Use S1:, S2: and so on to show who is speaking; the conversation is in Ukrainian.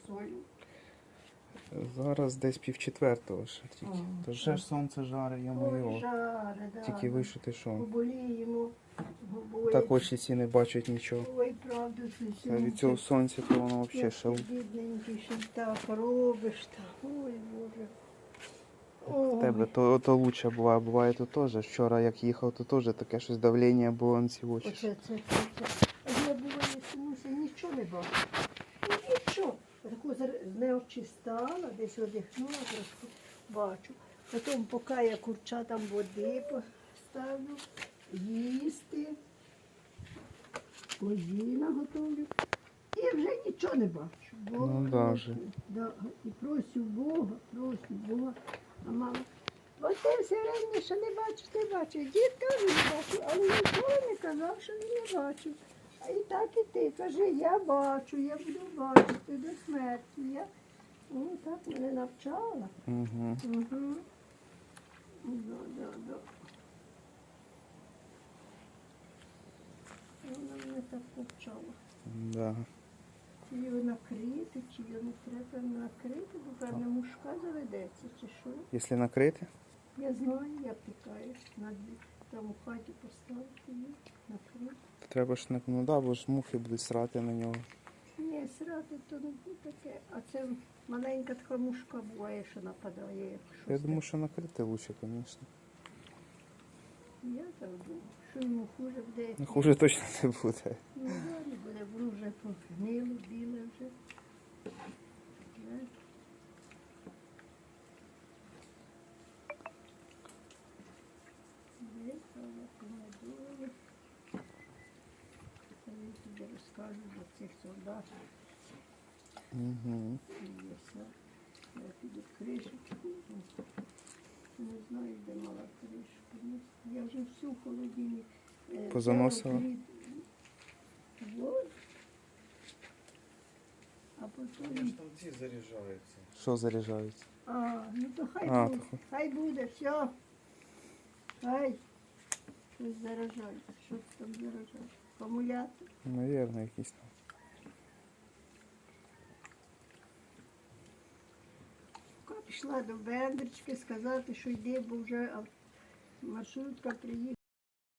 S1: сою.
S2: Зараз десь 3:30 ще тільки.
S1: Ага.
S2: То вже ж сонце жарить, я
S1: Ой,
S2: його.
S1: жаре, да.
S2: Тільки вийшов ти що.
S1: Поболіємо. Обоє.
S2: Так очі ці не бачать нічого.
S1: Ой, правда, це
S2: А від цього сонця то воно взагалі ще.
S1: бідненький, що так робиш. Так. Ой, Боже.
S2: В тебе то лучше буває, буває то теж. Вчора як їхав, то теж таке щось давлення було на ці очі.
S1: Оце. А я буває, чомуся нічого не бачу. Ну, нічого. Таку з нею чистала, десь одихнула, трошки бачу. Потім, поки я курчатам води поставлю, їсти, козі наготовлю. І вже нічого не бачу.
S2: Ну, да, вже.
S1: Да. І просю Бога. А мама, бо ти все время, що не бачиш. Дід теж не бачив, але ніколи не казав, що він не бачив. А і так і ти. Кажи, я бачу, я буду бачити до смерті. Я... Ну, так мене навчала.
S2: Угу.
S1: Угу. Да. Вона мене так навчала.
S2: Да.
S1: Чи його накрити, чи його не треба накрити, бо певне мушка заведеться, чи що.
S2: Якщо накрити,
S1: Я знаю, я пікаю. Там у хаті поставити її, накрити.
S2: то треба ж ну да, бо ж мухи будуть срати на нього.
S1: Ні, срати то не таке. А це маленька така мушка буває, що нападає, як щось.
S2: Я думаю, що накрити лучше, звісно.
S1: Я так думаю, що йому хуже буде.
S2: Ну, хуже точно не буде.
S1: Ну, да, не буде, воно вже погнило, біле вже. Випала помидори. Я тобі розкажу про цих солдатів.
S2: Угу.
S1: Я піду кришечку. Не знаю, де мала кришку. Ну, я вже всю в холодильник.
S2: Позаносила?
S1: Вот. А потім...
S3: Там ці заряджаються.
S2: Що заряджається?
S1: Ну то хай
S2: А,
S1: буде.
S2: то
S1: Хай буде, все. Хай. Щось заражається. Що там заражається? Акумулятор.
S2: Навірно, якісь там.
S1: Пішла до Бендрички сказати, що йде, бо вже маршрутка приїхала.